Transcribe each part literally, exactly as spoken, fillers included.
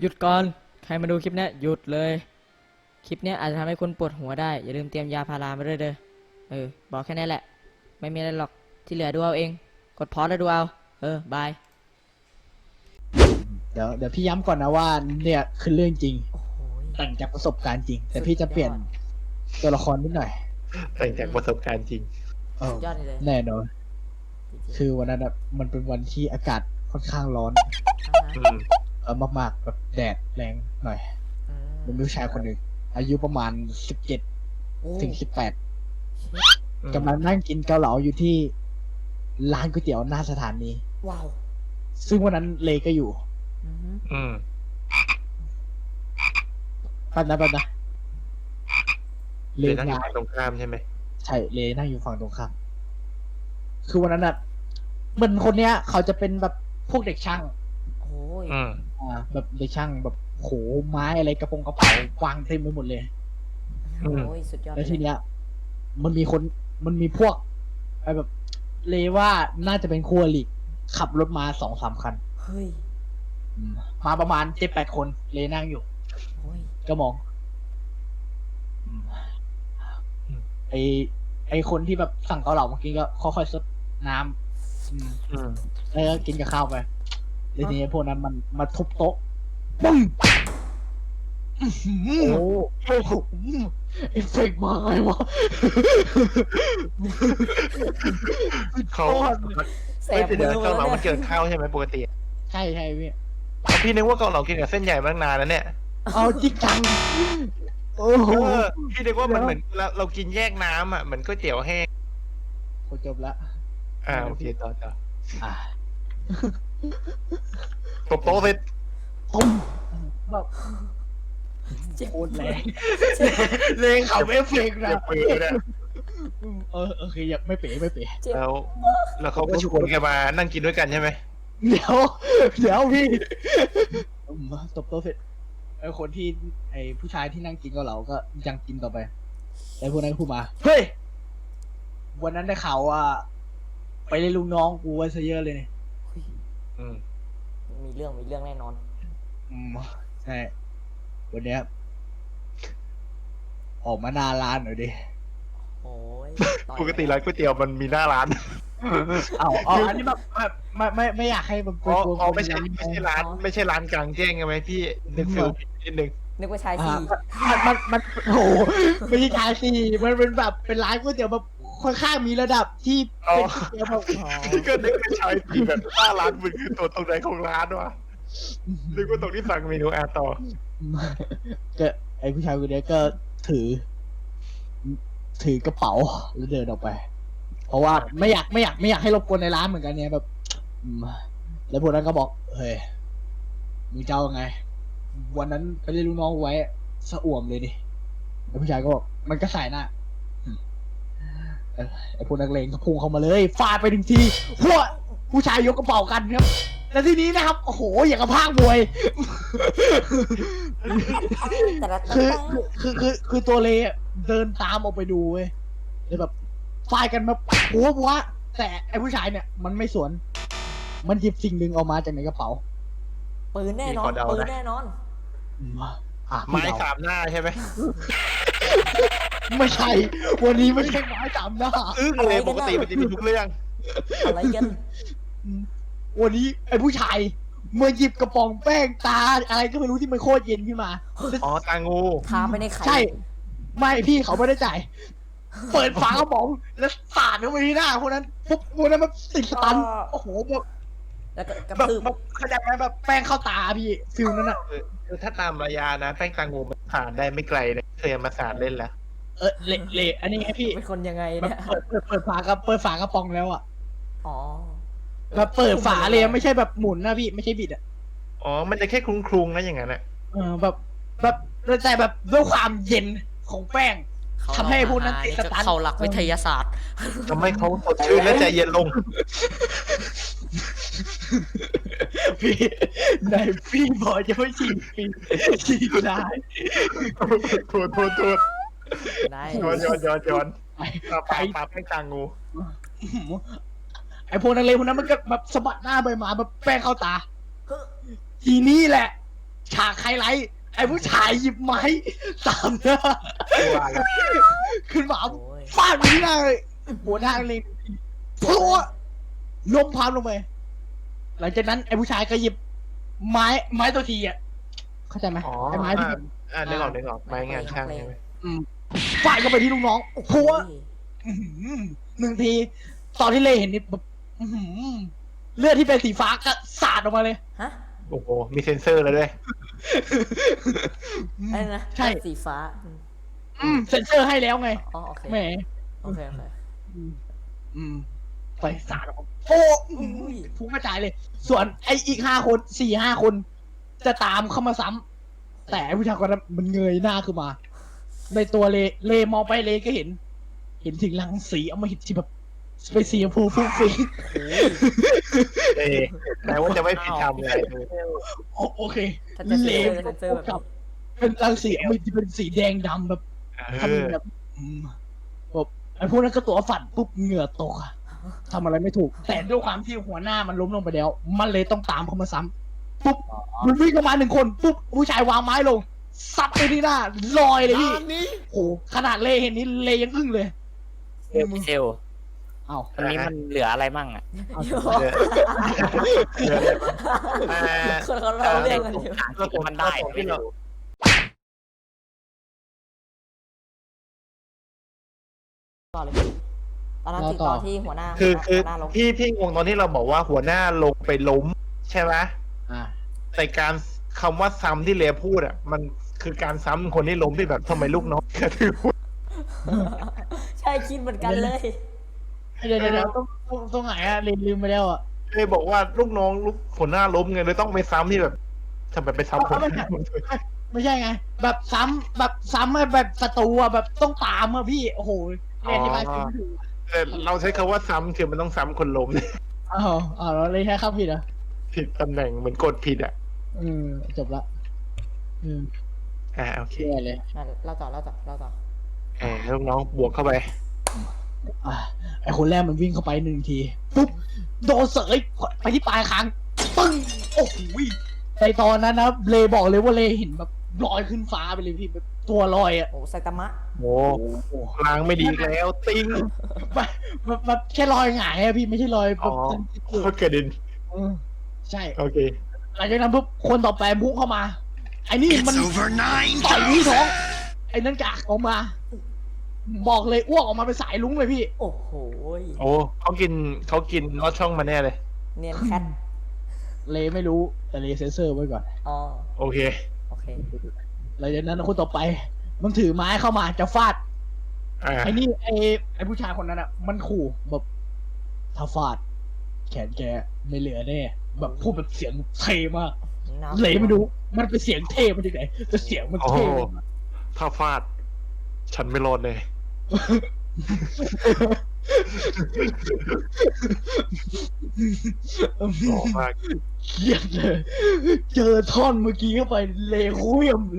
ยุดก่อนใครมาดูคลิปเนี้ยหยุดเลยคลิปเนี้ยอาจจะทำให้คุณปวดหัวได้อย่าลืมเตรียมยาพารามาด้วยเด้อเออบอกแค่นี้แหละไม่มีอะไรหรอกที่เหลือดูเอาเองกดพอสแล้วดูเอาเออบายเดี๋ยวเดี๋ยวพี่ย้ำก่อนนะว่าเนี่ยคือเรื่องจริงโอ้โหแต่งจากประสบการณ์จริง แต่พี่จะเปลี่ยนตัวละครนิดหน่อยแต่งจากประสบการณ์จริงเออยอดเลยแน่นอนจริงๆคือวันนั้นอะมันเป็นวันที่อากาศค่อนข้างร้อนอืมเออมากๆแบบแดดแรงหน่อยอืมันมีผู้ชายคนหนึ่งอายุประมาณสิบเจ็ดโอ้ถึงสิบแปดอืมกำลังนั่งกินเกาเหลาอยู่ที่ร้านก๋วยเตี๋ยวหน้าสถานีว้าวซึ่งวันนั้นเลก็อยู่อือหืออืมแป๊บนะแป๊บนะเลเลยนั่งอยู่งานฝั่งตรงข้ามใช่ไหมใช่เลนั่งอยู่ฝั่งตรงข้ามคือวันนั้นอะเหมือนคนเนี้ย เขาจะเป็นแบบพวกเด็กช่างโอ้ยอืมอ่า แบบเด็กช่างแบบโหไม้อะไรกระโปรงกระเป๋าวางเต็มไปหมดเลยอืมโอ้ยสุดยอดแล้วเลทียเนี้ย มันมีคนมันมีพวกไอ้แบบ เลว่าน่าจะเป็นคู่อริขับรถมาสองสามคันเฮ้ยอืมมาประมาณเจ็ดแปดคน เลนั่งอยู่โอ้ยก็มองอืมไอไอคนที่แบบสั่งเกาเหลาเมื่อกี้ก็ค่อยๆซดน้ำอืมอืมแล้วก็กินกับข้าวไปแล้วทีนี้พวกนั้นมันมาทุบโต๊ะปึ้งอื้อหือโอ้โอ้โหเอฟเฟกต์มาไงวะเขาแสเฮ้ยบเดี๋ยวมือเกาเหลามามันเนี่เกี่ยยวกับข้าวใช่ไหมปกติใช่ใช่พี่เอาพี่นึกว่าเกาเหลากินกับเส้นใหญ่มาตั้งนานแล้วเนี่ยเอาจริงจังโอ้โหเออพี่นึกว่ามันเหมือนเราเรากินแยกน้ำอ่ะเหมือนก๋วยเตี๋ยวแห้งโคจบละอ่าโอเคต่อต่ออ่าตบโต๊ะเสร็จตุ้มแบบเจ็บโคตรแรงแรงเขาเอฟเฟกต์นะเจ็บปืนเนี่ยเออโอเคอย่าไม่เป๋ไม่เป๋เจ็บแล้วแล้วเขาก็ชวนแกมานั่งกินด้วยกันใช่ไหมเดี๋ยวเดี๋ยวพี่อืมตบโต๊ะเสร็จไอ้คนที่ไอ้ผู้ชายที่นั่งกินกับเราก็ยังกินต่อไปแล้วพวกนั้นก็พูดมาเฮ้ยวันนั้นได้ข่าวว่า ไปเล่นลูกน้องกูไว้ซะเยอะเลยเนี่ยอืมมีเรื่องมีเรื่องแน่นอนอืมใช่วันเนี้ยออกมาหน้าร้านหน่อยดิโอ้ยต่อยปกติร้านก๋วยเตี๋ยวมันมีหน้าร้านเอาเอาอันนี้แบบแบบไม่ไม่ไม่อยากให้มันอ๋อกลัวอ๋อไม่ใช่ไม่ใช่ร้าน ไม่ใช่ร้านกลางแจ้งใช่ไหมพี่นึกฟิลผิดนิดนึงนึกว่าชายอ่าสี่มันมันมันโอ้โหไม่ใช่ชายสี่มันเป็นแบบเป็นร้านก๋วยเตี๋ยวแบบค่อนข้างมีระดับที่เป็นก๋วยเตี๋ยวแบบอ๋อก็นึกว่าชายสีแบบหน้าร้านมันคือตัวตรงไหนของร้านวะนึกว่าตรงที่สั่งเมนูแอร์ต่อก็ไอผู้ชายคนเนี้ยก็ถือ ถือกระเป๋าแล้วเดินออกไป เพราะว่าไม่อยากไม่อยากไม่อยากให้รบกวนในร้านเหมือนกันเนี่ยแบบอืมแล้วพวกนั้นก็บอกเฮ้ยมึงเจ้าไง วันนั้นไปเรียกลูกน้องไว้สะอ่วมเลยดิแล้วผู้ชายก็บอกมันก็ใส่หน้าอืมเออไอพวกนักเลงก็พุ่งเข้ามาเลยฟาดไปหนึ่งทีพวกผู้ชายยกกระเป๋ากันครับ แล้วทีนี้นะครับโอ้โหอย่างกับภาคมวยแต่ละคือตั้งคือคือคือคือตัวเลอะเดินตามออกไปดูเว้ยเลยแบบฟาดกันแบบหัวหัวแต่ไอ้ผู้ชายเนี่ย มันไม่สวน มันหยิบสิ่งหนึ่งออกมาจากในกระเป๋าปืนแน่นอนมีคนเอาปืนนะแน่นอนอืมอ่ะไม้พี่เดสามหน้าใช่ไหมไม่ใช่ วันนี้ไม่ใช่ไม้สามหน้าอึ้งเลยปกติมันจะมีทุกเรื่องอะไรกันวันนี้ไอ้ผู้ชายมาหยิบกระป๋องแป้งตาอะไรก็ไม่รู้ที่มันโคตรเย็นขึ้นมาอ๋อตางูทาไปในไข่ใช่ ไม่พี่เขาไม่ได้จ่าย เปิดฝากระป๋องแล้วสาดเข้าไปที่หน้าคนนั้นปุ๊บคนนั้นมันติดสตันโอ้โหแบบแล้วก็กระแบบทืบแบบเข้าใจไหมแบบแป้งเข้าตาพี่ฟิลนั้นอ่ะคือถ้าตามระยะนะแป้งตางูมันผ่านได้ไม่ไกลเลยเคยเอามาสาดเล่นแล้วเออเละเละอันนี้ไงพี่เป็นคนยังไงแบบเนี่ยเปิดเปิดเปิดฝากระเปิดฝากระป๋องแล้วอ่ะอ๋อแบบเปิดฝาเลยไม่ใช่แบบหมุนนะพี่ไม่ใช่บิดอ่ะอ๋อมันจะแค่คลุงๆนะอย่างนั้นอะเออแบบแบบแต่แบบด้วยความเย็นของแป้ง ทำให้พวกนั้นติดสตันเข้าหลักวิทยาศาสตร์ทำให้เขาสดชื่นและใจเย็นลงพี่ในพี่บอกจะไม่ฉีดปีฉีดได้โทษโทษโทษได้ย้อนย้อนย้อนย้อนไปปลาไปปลาแป้งตางูไอพวกนักเลงพวกนั้นมันก็แบบสะบัดหน้าไปมาแบบแป้งเข้าตา ทีนี้แหละฉากไฮไลท์ไอ้ผู้ชายหยิบไม้สามหน้าว่าแล้วขึ้นมาโอ้ยฟาดไปที่หน้าเลยหัวหน้าเลยพัวล้มพามลงไปหลังจากนั้นไอ้ผู้ชายก็หยิบไม้ไม้ตัวทีอ่ะเข้าใจไหมอ๋อไอ้ไม้ที่อ่าอ่านึกออกนึกออกไม้งานช่างใช่ไหมอืมฟาดเข้าไปที่ลูกน้องพัว อื้อหือหนึ่งที ตอนที่เลเห็นนี่แบบอื้อหือเลือดที่เป็นสีฟ้าก็สาดออกมาเลยฮะโอ้โหมีเซ็นเซอร์แล้วด้วยอะไรนะใช่สีฟ้าอืมอืมเซ็นเซอร์ให้แล้วไงอ๋อโอเคแหมโอเคโอเคอืมอืมไฟสาดออกมาโอ้อื้อหือพุ่งกระจายเลย ส่วนไอ้อีกห้าคนสี่ห้าคน จะตามเข้ามาซ้ำแต่ไอ้ผู้ชายคนนั้นมันเงยหน้าขึ้นมา ในตัวเลเลมองไปเลก็เห็น เห็นถึงรังสีเอามาเห็นที่แบบไปสีชมพูฟุ้งฟิ้งเอ้แต่ว่าจะไม่ผิดทำเลยโอโอเคถ้าจะเซเลอร์เซนเซอร์แบบกับนี้เป็นรังสีมันจะเป็นสีแดงดำแบบเอทำอแบบอืมแบบไอ้พวกนั้นก็ตัวฝันปุ๊บเหงื่อตกอะทำอะไรไม่ถูก แต่ด้วยความที่หัวหน้ามันล้มลงไปแล้ว มันเลยต้องตามเขามาซ้ำปุ๊บมันวิ่งเข้ามาหนึ่งคนปุ๊บผู้ชายวางไม้ลงซัดไปที่หน้าลอยเลยพี่โอ้โหขนาดเลเห็นนี้เลยังอึ้งเลยเซลเซลเอ้าอันนี้มันเหลืออะไรมั่งอ่ะเอาโยเดี๋ยวเดี๋ยวอ่าคนเขาเล่าเรื่องกันอยู่ก็ผมมันได้ไม่รู้ต่อเลยพี่ตอนนั้นถึงตอนที่หัวหน้าคือคือหัวหน้าลงพี่พี่งงตอนที่เราบอกว่าหัวหน้าลงไปล้มใช่ไหมอ่าแต่การคำว่าซ้ำที่เลพูดอ่ะ มันคือการซ้ำคนที่ล้มที่แบบทำไมลูกน้องกระทืบใช่คิดเหมือนกันเลยเดี๋ยวเดี๋ยวเดี๋ยวต้องต้องต้องไหนอะลืมลืมไปแล้วอะเลยบอกว่าลูกน้องลูกหัวหน้าล้มไงเลยต้องไปซ้ำที่แบบทำไมไปซ้ำคนไม่ใช่ไม่ใช่ไง แบบซ้ำแบบซ้ำให้แบบศัตรูอะแบบต้องตามอะพี่โอ้โหเรียนที่บ้านไม่ถูกแต่เราใช้คำว่าซ้ำคือมันต้องซ้ำคนล้มอ้าวอ้าวเราเลยใช้คำผิดเหรอผิดตำแหน่งเหมือนกดผิดอ่ะอืมจบละอืมอ่าโอเคแย่เลยนั่นเล่าต่อเล่าต่อเล่าต่ออ่าลูกน้องบวกเข้าไปอ่ะไอคนแรกมันวิ่งเข้าไปหนึ่งทีปุ๊บโดนเสยไปที่ปลายคางปึ้งโอ้โหในตอนนั้นนะเลบอกเลยว่าเลเห็นแบบลอยขึ้นฟ้าไปเลยพี่แบบตัวลอยอ่ะโอ้ไซตามะโอ้ล้างไม่ดีอีกแล้ว ติ้งแบบแบบแบบแค่ลอยหงายอะพี่ไม่ใช่ลอยแบอ๋อบ เขาเกิดดินเออใช่โอเคหลังจากนั้นปุ๊บคนต่อไปพุ่งเข้ามาไอ้นี่มันต่อยที่ท้องไอ้นั่นกากออกมา บอกเลยอ้วกออกมาเป็นสายลุ้งเลยพี่โอ้โหโอ้เขากินเขากินลอดช่องมาแน่เลยเนียนแคทเลไม่รู้แต่เลเซนเซอร์ไว้ก่อนอ๋อโอเคโอเคหลังจากนั้นคนต่อไป มันถือไม้เข้ามาจะฟาดอ่าไอ้นี่ไอ้ไอ้ผู้ชายคนนั้นอ่ะ มันขู่แบบถ้าฟาด แขนแกไม่เหลือแน่แบบพูดแบบเสียงเท่มากน้ำเลยไม่รู้ มันเป็นเสียงเท่มาจากไหนแต่เสียงมันโอ้เท่ถ้าฟาด ฉันไม่รอดเลย หล่อมากเครียดเลย เจอท่อนเมื่อกี้เข้าไปเลคุยมเลย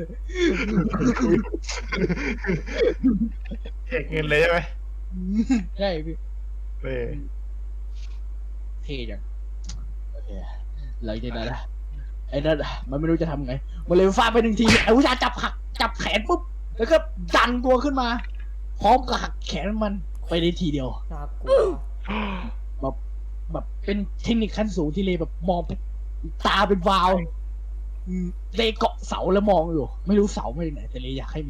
แจกเงินเลยใช่ไหมใช่พี่เออเท่จังโอเคหลังจากนั้นนะไอ้นั่นอะมันไม่รู้จะทำไง มันเลยฟาดไปหนึ่งทีไอ้ผู้ชายจับหักจับแขนปุ๊บ แล้วก็ดันตัวขึ้นมา พร้อมกับหักแขนมันไปในทีเดียวน่ากลัวแบบแบบเป็นเทคนิคขั้นสูงที่เลยแบบมองปุ๊บตาเป็นวาวอืมเลยเกาะเสาแล้วมองอยู่ ไม่รู้เสามาจากไหน แต่เลยอยากให้มี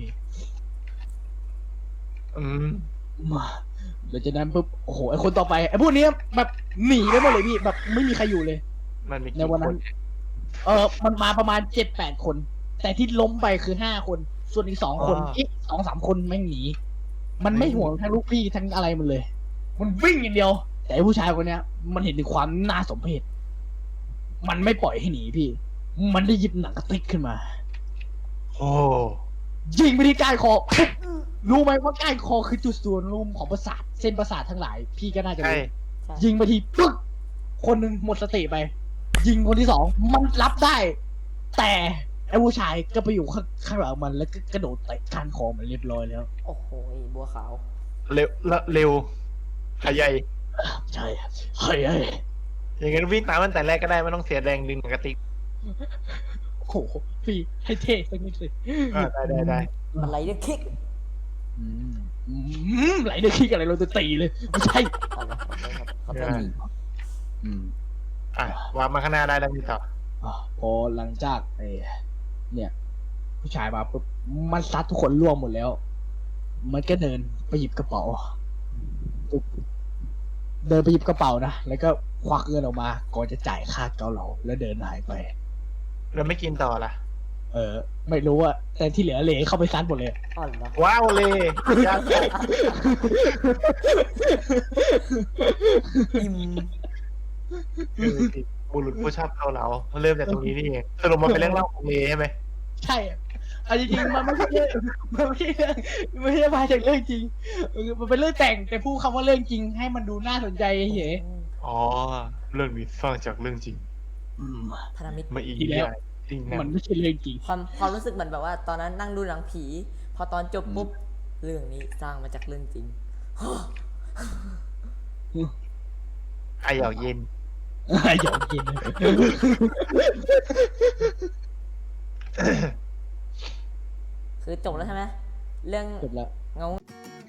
อืมมาหลังจากนั้นปุ๊บโอ้โหไอ้คนต่อไปไอ้พวกนี้แบบหนีไปหมดเลยพี่แบบไม่มีใครอยู่เลยมันมีในกี่วันคนั้น น เออมันมาประมาณเจ็ดแปดคน แต่ที่ล้มไปคือห้าคน ส่วนอีกสองคนอีกสองสามคนแม่งหนี มันไม่ห่วงทั้งลูกพี่ทั้งอะไรมันเลย มันวิ่งอย่างเดียว แต่ไอ้ผู้ชายคนเนี้ย มันเห็นถึงความน่าสมเพช มันไม่ปล่อยให้หนีพี่ มันได้หยิบหนังกระติกขึ้นมาโอ้ยิงไปที่ก้านคอปุ๊บรู้ไหมว่าก้านคอคือจุดส่วนรวมของประสาทเส้นประสาททั้งหลาย พี่ก็น่าจะใช่รู้ใช่ยิงไปทีปึ๊กคนหนึ่งหมดสติไป ยิงคนที่สองมันรับได้ แต่ไอ้ผู้ชายก็ไปอยู่ข้างข้างหลังมันแล้วก็กระโดดเตะก้านคอมันเรียบร้อยแล้วโอ้โหบัวขาวเร็วละเร็วขยายใช่เฮ้ยเฮ้ยอย่างงั้นวิ่งตามตั้งแต่แรกก็ได้ไม่ต้องเสียแรงดึงหนังกระติกโหพี่ให้เท่สักนิดสิอ่าได้ได้ได้มันไรเดอร์คิกอืมอืมไหลเดือดขี้อะไรเราจะตีเลยไม่ใช่เอาละขอโทษครับขอโทษทีอืมอ่ะวางมาข้างหน้าได้แล้วมีต่ออ่ะพอหลังจากไอ้เนี่ย ผู้ชายมาปุ๊บมันซัดทุกคนร่วงหมดแล้ว มันก็เดินไปหยิบกระเป๋าปุ๊บเดินไปหยิบกระเป๋านะแล้วก็ควักเงินออกมาก่อนจะจ่ายค่าเกาเหลาแล้วเดินหายไปเราไม่กินต่อละเออ ไม่รู้อะแต่ที่เหลือเหลเข้าไปซัดหมดเลยอ๋อเหรอว้าวเลยยากอิ่มคือบุรุษผู้ชอบเกาเหลาเริ่มจากตรงนี้นี่เองสรุปมันเป็นเรื่องเล่าของเลใช่ไหมใช่อะเอาจริงๆมันไม่ใช่เรื่องมันไม่ใช่เรื่องไม่ใช่มาจากเรื่องจริงเออมันเป็นเรื่องแต่งแต่พูดคำว่าเรื่องจริง ให้มันดูน่าสนใจเฉยอ๋อเรื่องนี้สร้างจากเรื่องจริงอืมพนามิตรมาอีกอีกแล้วจริงนะมันไม่ใช่เรื่องจริงความความรู้สึกเหมือนแบบว่า ตอนนั้นนั่งดูหนังผี พอตอนจบปุ๊บ เรื่องนี้สร้างมาจากเรื่องจริงไอหยอกเย็นอยากกินคือจบแล้วใช่ไหมเรื่องจบแล้วเงา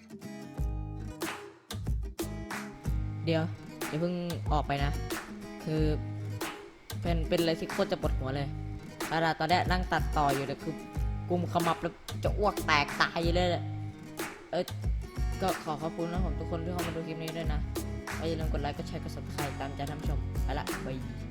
เดี๋ยวอย่าเพิ่งออกไปนะ คือเป็นเป็นอะไรที่โคตรจะปวดหัวเลยขนาดตอนเนี้ยนั่งตัดต่ออยู่เนี่ยคือกุมขมับแล้วจะอ้วกแตกตายเลยแหละเออก็ขอขอบคุณนะผมทุกคนที่เข้ามาดูคลิปนี้ด้วยนะอย่าลืมกดไลค์กดแชร์กด ซับสไครบ์ ตามใจท่านผู้ชมไปละบาย